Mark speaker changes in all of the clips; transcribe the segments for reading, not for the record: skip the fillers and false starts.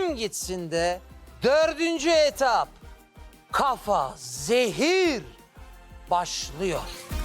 Speaker 1: kim gitsin de 4. etap kafa zehir başlıyor.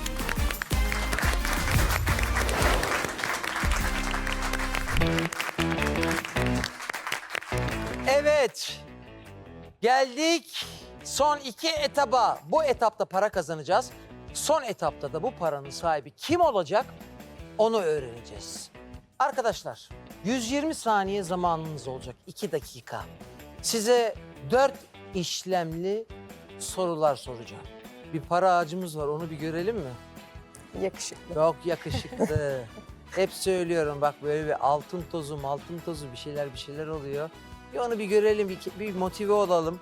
Speaker 1: Evet, geldik son 2 etaba. Bu etapta para kazanacağız. Son etapta da bu paranın sahibi kim olacak onu öğreneceğiz. Arkadaşlar 120 saniye zamanınız olacak, 2 dakika. Size 4 işlemli sorular soracağım. Bir para ağacımız var, onu bir görelim mi?
Speaker 2: Yakışıklı.
Speaker 1: Çok yakışıklı. Hep söylüyorum bak, böyle bir altın tozu bir şeyler oluyor. Bir onu bir görelim, bir motive olalım.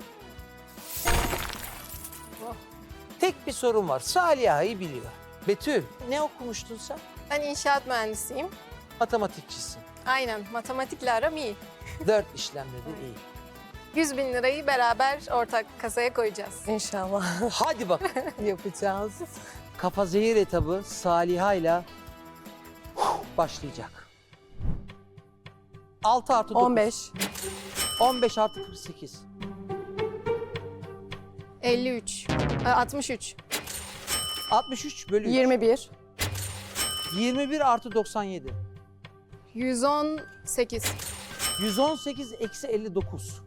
Speaker 1: Tek bir sorun var. Saliha'yı biliyor. Betül, ne okumuştun sen?
Speaker 2: Ben inşaat mühendisiyim.
Speaker 1: Matematikçisin.
Speaker 2: Aynen, matematikle aram iyi.
Speaker 1: 4 işlemde de iyi.
Speaker 2: 100 bin lirayı beraber ortak kasaya koyacağız.
Speaker 3: İnşallah
Speaker 1: Hadi bak.
Speaker 3: yapacağız.
Speaker 1: Kafa zehir etabı Saliha'yla başlayacak. 6 artı 9.
Speaker 3: 15.
Speaker 1: 15 artı 48.
Speaker 2: 53, 63,
Speaker 1: 63 bölü 3.
Speaker 3: 21.
Speaker 1: 21 artı 97.
Speaker 2: 118,
Speaker 1: 118 eksi 59.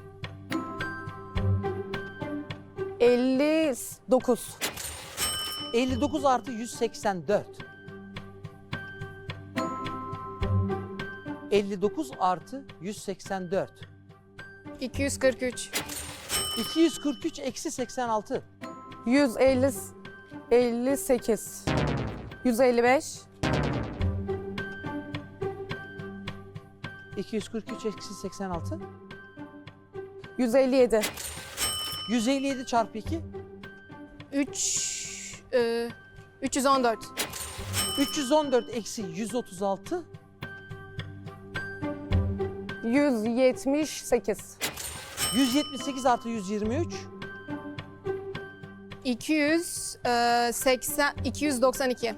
Speaker 3: 59.
Speaker 1: 59 artı 184. 59 artı 184.
Speaker 2: 243,
Speaker 1: 243 eksi 86.
Speaker 3: 58. 155.
Speaker 1: 243 eksi 86.
Speaker 3: 157.
Speaker 1: 157 çarpı 2.
Speaker 2: 314,
Speaker 1: 314 eksi 136.
Speaker 3: 178.
Speaker 1: 178 artı 123.
Speaker 2: 280, 292,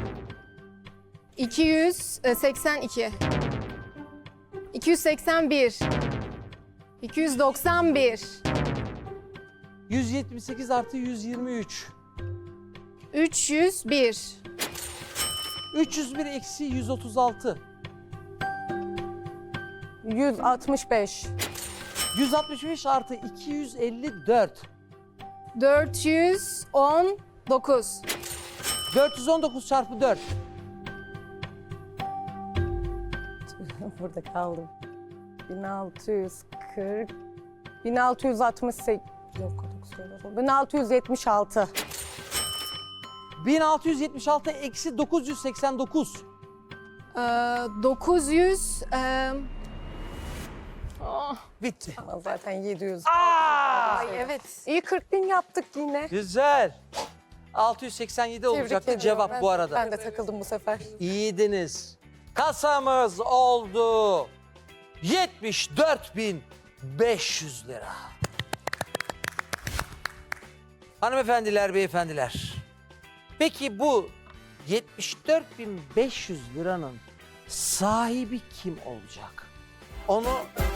Speaker 2: 282, 281, 291,
Speaker 1: 178 artı 123.
Speaker 2: 301,
Speaker 1: 301 eksi 136.
Speaker 3: 165.
Speaker 1: 165 artı 254.
Speaker 2: 419,
Speaker 1: 419 çarpı 4.
Speaker 3: Burada kaldım. 1640. 1668. Yok, 1676.
Speaker 1: 1676 eksi 989.
Speaker 2: 900,
Speaker 1: Bitti.
Speaker 3: Ama zaten 700.
Speaker 2: ay evet.
Speaker 3: İyi 40.000 yaptık yine.
Speaker 1: Güzel. 687 olacaktı
Speaker 3: Tebrik
Speaker 1: cevap
Speaker 3: ediyorum.
Speaker 1: bu arada.
Speaker 3: Ben de takıldım bu sefer.
Speaker 1: İyiydiniz. Kasamız oldu 74.500 lira. Hanımefendiler, beyefendiler. Peki bu 74.500 liranın sahibi kim olacak? Onu